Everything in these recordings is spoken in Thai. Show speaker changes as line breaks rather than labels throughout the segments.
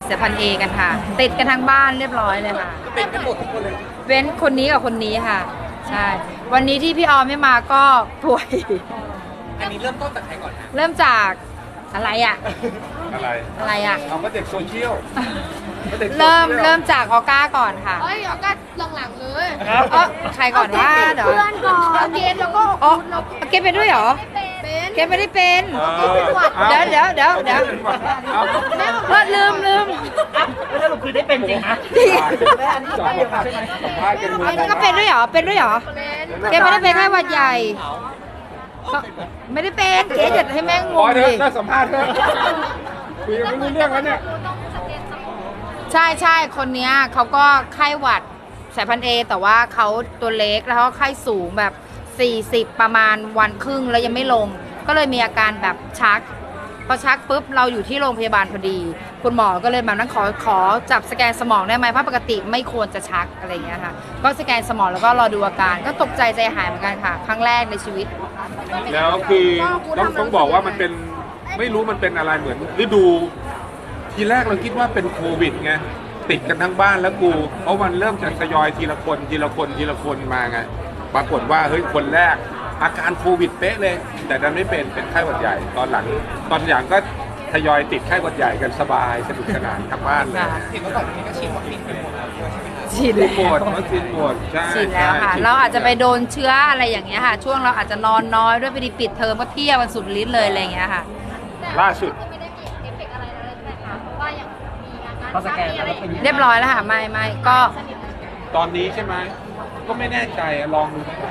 เสียพันเอกันค่ะติดกันทั้งบ้านเรียบร้อยเลยค่ะ
เป็นกันหมดทุกคนเลย
เว้นคนนี้กับคนนี้ค่ะใช่วันนี้ที่พี่ออมไม่มาก็ป่วย
อันนี้เริ่มต้นจากใครก่อนฮะ
เริ่มจากอะไรอ่ะ
อะไร
อ่ะ
เอาก็เด็กโซเชียลก็ด็กโซชียล
เริ่มจากออก้าก่อนค่ะ
เอ้ยเอาก็หลังๆเลย
เออใครก่อนว่าเดี๋ยว
เพื่อนก่อนเอาเกณฑ์แล้วก็
อ๋อเกมเป็นด้วยเหรอ
เป็น
เกมไม่ได้เป็น
เอา
เดี๋ยว
เอา
ลืม
แล้วสรุปคือได้เป็นจริงนะ
สัมภาษณ์กันมา
ก็เป็นด้วยเหรอเป็นด้วยเหรอ
เป็น
เกมไม่ได้เป็นแค่หวัดใหญ่ก็ไม่ได้เป็นเกมอย่าให้แม่งง
พอง เถ
ดิ
อะน่าสัมภาษณ์เถอะคุยกันไม่รู้เรื่องแล้วเนี่ย
ใช่คนเนี้ยเขาก็ไข้หวัดสายพันธุ์เอแต่ว่าเขาตัวเล็กแล้วเขาไข้สูงแบบ40ประมาณวันครึ่งแล้วยังไม่ลง ก็เลยมีอาการแบบชักพอชักปุ๊บเราอยู่ที่โรงพยาบาลพอดี คุณหมอก็เลยแบบนั้นขอจับสแกนสมองได้ไหมเพราะปกติไม่ควรจะชักอะไรอย่างเงี้ยค่ะก็สแกนสมองแล้วก็รอดูอาการก็ตกใจใจหายเหมือนกันค่ะครั้งแรกในชีวิต
แล้วคือต้องบอกว่ามันเป็นไม่รู้มันเป็นอะไรเหมือนฤดูทีแรกเราคิดว่าเป็นโควิดไงติดกันทั้งบ้านแล้วกูเพราะมันเริ่มจากทยอยทีละคนมาไงปรากฏว่าเฮ้ยคนแรกอาการโควิดเป๊ะเลย แต่ดันไม่เป็นไข้หวัดใหญ่ตอนหลังก็ทยอยติดไข้หวัดใหญ่กันสบายสนุกสนานทั้งบ้านเลย
เห็นว่าก่อนอันนี้ก็ฉีดวัคซีนไปหมดแล้วด้วยใช่ไหมครับ
ฉีด
ฉีดหมดวัคซีนหมดใช่
ฉีดแล้วค่ะ
ใช่
เราอาจจะไปโดนเชื้ออะไรอย่างเงี้ยค่ะ ช่วงเราอาจจะนอนน้อยด้วยพอดีปิดเทอมก็เที่ยวกันสุดฤทธิ์เลยอะไรอย่างเงี้ยค่ะ
ล่าสุด
ก็ไม่ได้มีเอฟเฟกต์อะไรเลยใช่ไหมคะเพราะว่าอย่างมีอาการ
พอสแกนแล้วเป็น
เรียบร้อยแล้วค่ะไม่ก็
ตอนนี้ใช่ไหมก็ไม่แน่ใจอะลองดูไหม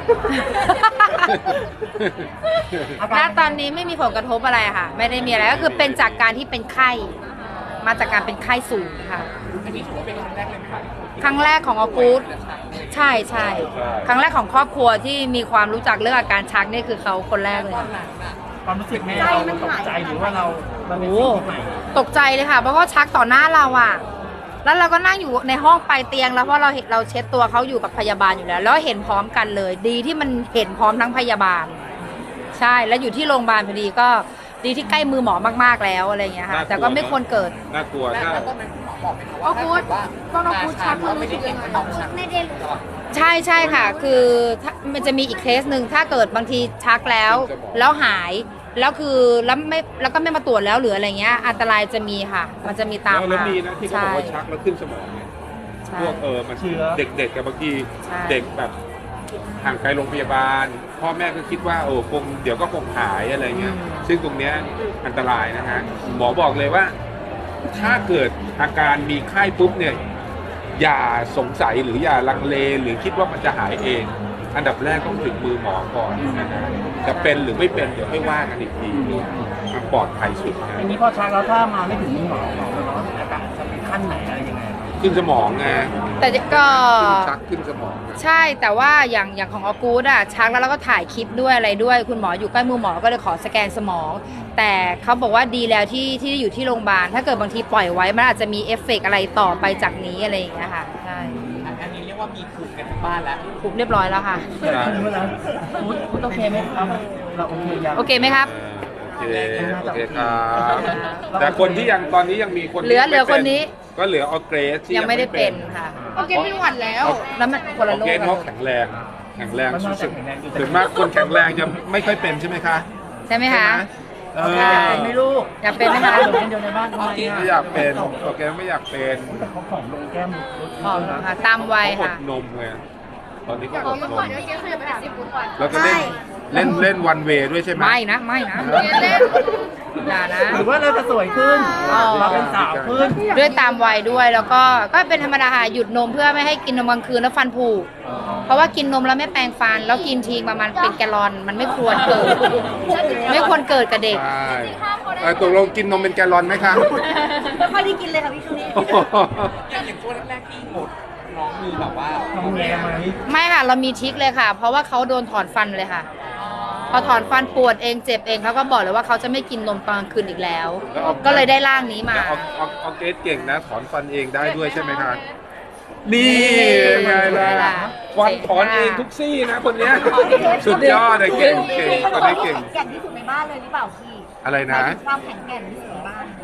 ณตอนนี้ไม่มีผลกระทบอะไรค่ะ ไม่ได้มีอะไรก็คือเป็นจากการที่เป็นไข้มาจากการเป็นไข้สูงค่ะ
อันนี้ถือว่าเป็นครั้งแรกเลยไหมครับ
ครั้งแรกของออกูดใช่ครั้งแรกของครอบครัวที่มีความรู้จักเรื่องอาการชักนี่คือเขาคนแรกเลยค่ะ
ความรู้สึกแม่เราตกใจหรือว่าเราเป็น
โอ้
สิ่งที่ใหม่
ตกใจเลยค่ะเพราะว่าชักต่อหน้าเราอะแล้วเราก็นั่งอยู่ในห้องปลายเตียงแล้วเพราะเราเช็ดตัวเขาอยู่กับพยาบาลอยู่แล้วแล้วเห็นพร้อมกันเลย ดีที่มันเห็นพร้อมทั้งพยาบาล ใช่แล้วอยู่ที่โรงพยาบาลพอดีก็ดีที่ใกล้มือหมอมากๆแล้วอะไรอย่างเงี้ยค่ะ แต่ก็ไม่ควรเกิด
น่ากลัวถ้า
แล้วต้นเป็นหมอบอกไหมคะว่าถ้าเกิดว่าชักว่าไม่ได้เก่งไม่ต้องชัก
ไม่ได้รู้
ใช่ค่ะ คือถ้ามันจะมีอีกเคสหนึ่งถ้าเกิดบางทีชักแล้วหายแล้วคือแล้วก็ไม่มาตรวจแล้วหรืออะไรเงี้ยอันตรายจะมีค่ะ มันจะมีตาม
แล้ว
มา
มีนะที่เขาบอกว่าชักแล้วขึ้นสมองเนี่ย
ใช่
พวกมันเด็กๆกับบางที
ใช่
เด็กแบบห่างไกลโรงพยาบาล พ่อแม่ก็คิดว่าคงเดี๋ยวก็คงหายอะไรเงี้ยซึ่งตรงเนี้ยอันตรายนะฮะหมอบอกเลยว่า ถ้าเกิดอาการมีไข้ปุ๊บเนี่ยอย่าสงสัยหรืออย่าลังเลหรือคิดว่ามันจะหายเอง อันดับแรกต้องถึงมือหมอก่อนนะฮะจะเป็นหรือไม่เป็นเดี๋ยวให้ว่ากันอีกทีมันปลอดภัยสุดนะ
อันนี้พอชักแล้วถ้ามาไม่ถึงมือหมอเราต้องอาการจะเป็นขั้นไหนอะไรยังไง
ขึ้นสมองไง
แต่ก็
ชักขึ้นสมองอะ
ใช่แต่ว่าอย่างของออกูดอะชักแล้วเราก็ถ่ายคลิปด้วยอะไรด้วย คุณหมออยู่ใกล้มือหมอก็เลยขอสแกนสมอง แต่เขาบอกว่าดีแล้วที่อยู่ที่โรงพยาบาลถ้าเกิดบางทีปล่อยไว้มันอาจจะมีเอฟเฟกต์อะไรต่อไปจากนี้อะไรอย่างเงี้ยค่ะใช่
อันนี้เรียกว่ามีภูมิกันทั้งบ้านแล้ว
ถูกเรียบร้อยแล้วค่ะ
รู้แล้วพูดโอเคไหมครับเราโอเคยัง
โอเคไหมครับ
โอเคครับแต่คนที่ยังตอนนี้ยังมีคนที่
เหลือ
ไม่ป็
คนนี้
ก็เหลือออร์เกรสที่
ยังไม่ได้เป็นค่ะ
โอเคเป็นหวัดแล้ว
แล้วมันคน
อ
ละ
อร์
โร
เกร
ค
ส
กัน
เขาแข็งแรงสุดๆส่วนมากคนแข็งแรงจะไม่ค่อยเป็นใช่ไหมคะ
ใช่ไหมคะ
เอ
อยาก
อ
เป็นไหม่ลูก
อยากเป็นไหมคะ
เดี๋ยวคนเดียวในบ้านทำไม
ไม่อยากเป็นออร์เกรสไม่อยากเป็น
แต่เขาผอมลงแก้ม
อ๋อค่ะตามวัย
เขาอ
ค่ะ
ดนมไงตอนนี้ก็อดน
ก่อน
ม
เดี๋ยวเจ๊เคยไปหาสิบปุ่นก่อน
แล้วก็เล่นวันเวย์ด้วยใช่ไหม
ไม่นะ
เล่น
อย่านะ
หรือว่าเราจะสวยขึ้น เราเป็นสาวขึ้น
ด้วยตามวัยด้วยแล้วก็เป็นธรรมดาค่ะหยุดนมเพื่อไม่ให้กินนมกลางคืนแล้วฟันผุเพราะว่ากินนมแล้วไม่แปรงฟันแล้วกินทีประมาณเป็นแกลลอนมันไม่ควรเกิด ไม่ควรเกิดกับเด็ก
ใช่ตกลงกินนมเป็นแกลลอนไหมคะ
ไม่ค่อยได้กินเลยค่ะพี่ช่วงนี้
อย่างช่วงแรกๆที่หมดน้องมีแบบว่า
ทำแงไหม
ไม่ค่ะเรามีทริคเลยค่ะ เพราะว่าเขาโดนถอนฟันเลยค่ะ พอถอนฟันปวดเองเจ็บเองเขาก็บอกเลยว่าเขาจะไม่กินนมตอนกลางคืนอีกแล้ว ก็เลยได้ร่างนี้มา
แล้วออร์เกรสเก่งนะถอนฟันเองได้ด้วยใช่ไหมคะนี่ไงล่ะฟันถอนเองทุกซี่นะคนเนี้ยสุดยอดเลยเก่งคนนี้เก่ง
แก่นที่สุดในบ้านเลยหรือเปล่าพี่
อะไรนะ
ความแข็งแกร่งที่สุดในบ้าน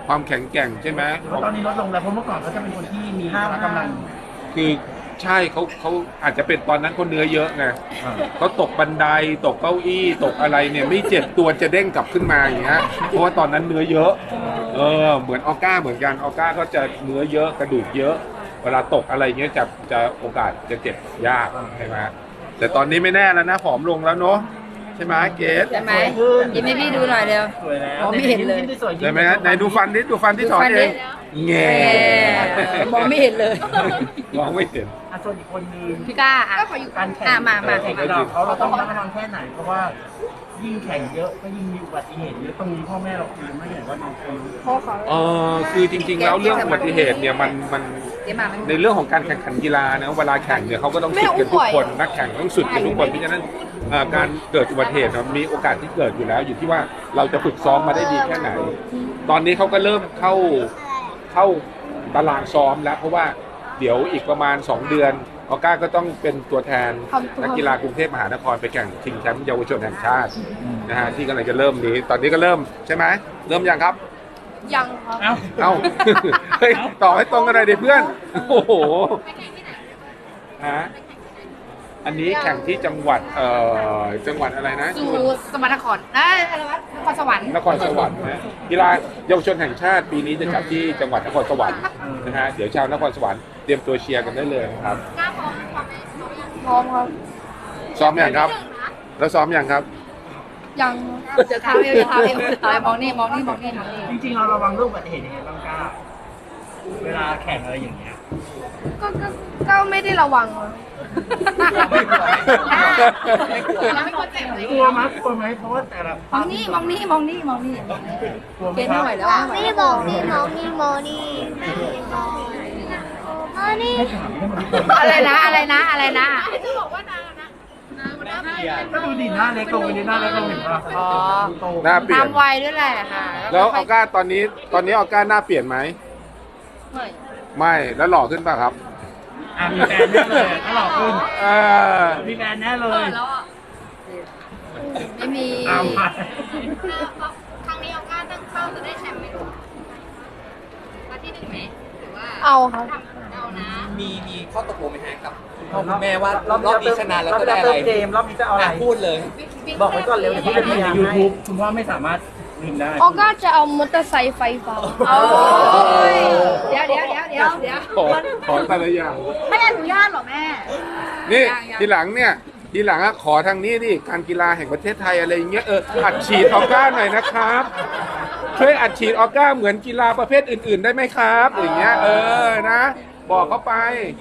ความแข็งแกร่งใช่ไหม
หรือว่าตอนนี้ลดลงแล้วเพราะเมื่อก่อนเขาจะเป็นคนที่มีพละกำลัง
คือใช่เขาอาจจะเป็นตอนนั้นเขาเนื้อเยอะไงเขาตกบันไดตกเก้าอี้ตกอะไรเนี่ยไม่เจ็บตัวจะเด้งกลับขึ้นมาอย่างเงี้ยเพราะว่าตอนนั้นเนื้อเยอะเหมือนออก้าเหมือนกันออก้าก็จะเนื้อเยอะกระดูกเยอะ เวลาตกอะไรเงี้ยจะโอกาสจะเจ็บยากใช่ไหมแต่ตอนนี้ไม่แน่แล้วนะผอมลงแล้วเนาะใช่ไหมเกส
ใช่ไหมยิ้มให้พี่ดูหน่อยเร็ว
สวยแล้ว
มองไม่เห็นเลย
ยิ้มได้สวย
ใช่ไหมฮะไหนดูฟันที่ถอนเองแง่
มองไม่เห็นเลย
มองไม่เห็น
ส่วนอีกคนนึง
พี่ก้าอ่ะ
การแข่ง
มา
แข่งกับเราต้องระมัดระวังแค่ไหนเพราะว่ายิ่งแข่งเยอะก็ยิ่งมีอุบัติเหตุเยอะตรงนี้พ่อแม่เราคุยไม่เห็นว่าน้องคน
คือจริงๆแล้วเรื่องอุบัติเหตุเนี่ยมัน
เดี๋ยวมามัน
ในเรื่องของการแข่งขันกีฬานะเวลาแข่งเนี่ยเขาก็ต้องสุดกันทุกคนนักแข่งต้องสุดกันทุกคนเพราะฉะนั้นการเกิดอุบัติเหตุมันมีโอกาสที่เกิดอยู่แล้ว อยู่ที่ว่าเราจะฝึกซ้อมมาได้ดีแค่ไหน ตอนนี้เขาก็เริ่มเข้าตารางซ้อมแล้วเพราะว่าเดี๋ยวอีกประมาณ 2 เดือนออก้าก็ต้องเป็นตัวแทนนักกีฬากรุงเทพมหานครไปแข่งชิงแชมป์เยาวชนแห่งชาตินะฮะที่กำลังจะเริ่มนี้ตอนนี้ก็เริ่มใช่ไหมเริ่มยังครับ
ยังครับ
เอ้า เฮ้ยต่อให้ตรงกันหน่อยดิเพื่อน โอ้โหฮะอันนี้แข่งที่จังหวัดจังหวัดอะไรนะ
สู่สมรรถนครอะไรวะนครสวรรค์
นครสวรรค์นะกีฬาเยาวชนแห่งชาติปีนี้จะจัดที่จังหวัดนครสวรรค์นะฮะเดี๋ยวชาวนครสวรรค์เตรียมตัวเชียร์กันได้เลยนะครับ
กล้าพร้อมไหม
พร้อมครับ
ซ้อมอย่างครับ แล้วซ้อมอย่างครับ
ยัง
เดี๋ยวเท้าเอวเดี๋ยวเท้าเอวมองนี่มองนี่มองนี่มองนี่
จริงๆเราระวังเรื่องอุบัติเหตุยังไงบ้างก้าเวลาแข่งอะไรอย่างเงี้ย
ก็ไม่ได้ระวังครับ
เราไม่ควรเจ็บเลย
กลัวไหมเพราะว่าแต่ละ
มองนี่มองนี่มองนี่มองนี่
กลัวไหม
เกณฑ์
ค
ไม่
รับ
ไหวแล้ว
ไม่ได้บอกนี่น้องนี่โมนี่โมนี่
ให้ถามให้มัน
อะไรนะอะไรนะอะไรนะ
จะบอกว่านางนะนางมันน่าเปลี่ยน
ก็ดูดิหน้าเล็กลงไปดิหน้าเล็กลงเห็นปะ
อ๋อ
โต
หน้าเปลี่ย
ตาน มวัยด้วยแหละค่ะ
แล้วออก้าตอนนี้ออก้าหน้าเปลี่ยนไหมไม่แล้วหล่อขึ้นป่ะครับ
มีแฟนแน่เลยถ้าหลอกขึ้น
เออ
มีแฟนแน่เลย
ไม่มี
ตามไป
ครั้งนี้เอาก้าตั้งเป้าจะได้แชมป์ไหมลูกมาที่1ไหมหรือว่า
เอาครับ
เอานะ
มีข้อตกลงไหมฮะกับพ่อคุณแม่ว่ารอบนี้ชนะแล้วจะได้อะไร
เกมรอบนี้จะเอาอะไร
พูดเลย
บอกไว้ก่อนเร็วเดี๋ยวพี่จะพิมพ์ใน YouTube คุณพ่อไม่สามารถพิมพ์ได้
ออก้าจะเอามอเตอร์ไซค์ไฟฟ้า
โอ้ยเดี๋ยว
ขอแต่ละอย่าง
ไม่อนุญาตหรอแม่
นี่ทีหลังอะขอทางนี้ดิการกีฬาแห่งประเทศไทยอะไรอย่างเงี้ยอัดฉีดออก้าหน่อยนะครับช่วยอัดฉีดออก้าเหมือนกีฬาประเภทอื่น ๆ ได้ไหมครับอย่างเงี้ยนะ บอกเขาไป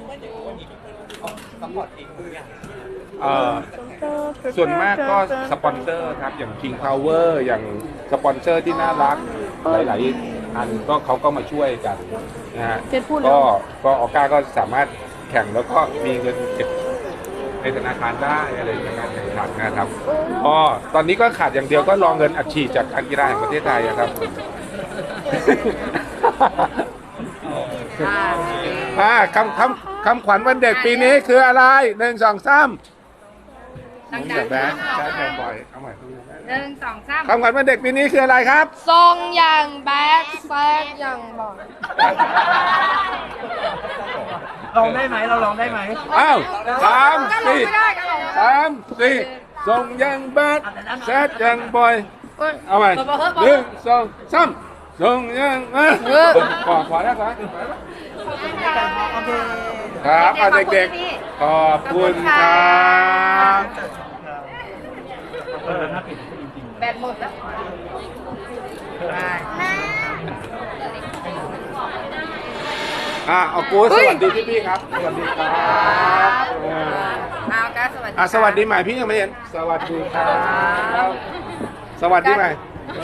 ส่วนมากก็สปอนเซอร์ครับอย่าง King Power อย่างสปอนเซอร์ที่น่ารักหลายๆอันก็เขาก็มาช่วยกันนะฮะ
เจ็ดพูดแล้ว
ก็ออก้าก็สามารถแข่งแล้วก็มีเงินเก็บในธนาคารได้อะไรในการแข่งขันนะครับก็ตอนนี้ก็ขาดอย่างเดียวก็รอเงินอัดฉีดจากการกีฬาแห่งประเทศไทยอะครับ คำขวัญวันเด็กปีนี้คืออะไร1 2 3
ดัง
อย่าแบนใช้แบนบ่อยเอาใหม่
1 2 3
คำขวัญวันเด็กปีนี้คืออะไรครับ
ทรงอย่างแบดแซดอย่างบอล
ลองได้ไหมเราลองได้ไหม
อ้าว3 4ส่งยังแบดแซดยังบ่อยเอาใหม่1 2 3ส่งยังขอแล้วครับเอาเด็กๆขอบคุณครับ
น่าเปลี่ยนจริง
แบตหมดแล้ว
เอากูสวัสดีพี่ๆครับสวัสดีครับ
เอาก้าสวัสดี
สวัสดีใหม่พี่ยังไม่เห็นสวัสดีครับสวัสดีใหม่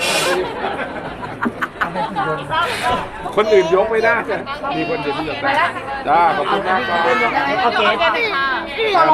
คนอื่นยกไม่ได้มีคนเดียวที่ยกได้จ้าขอบคุณมากครับ
ๆโอเค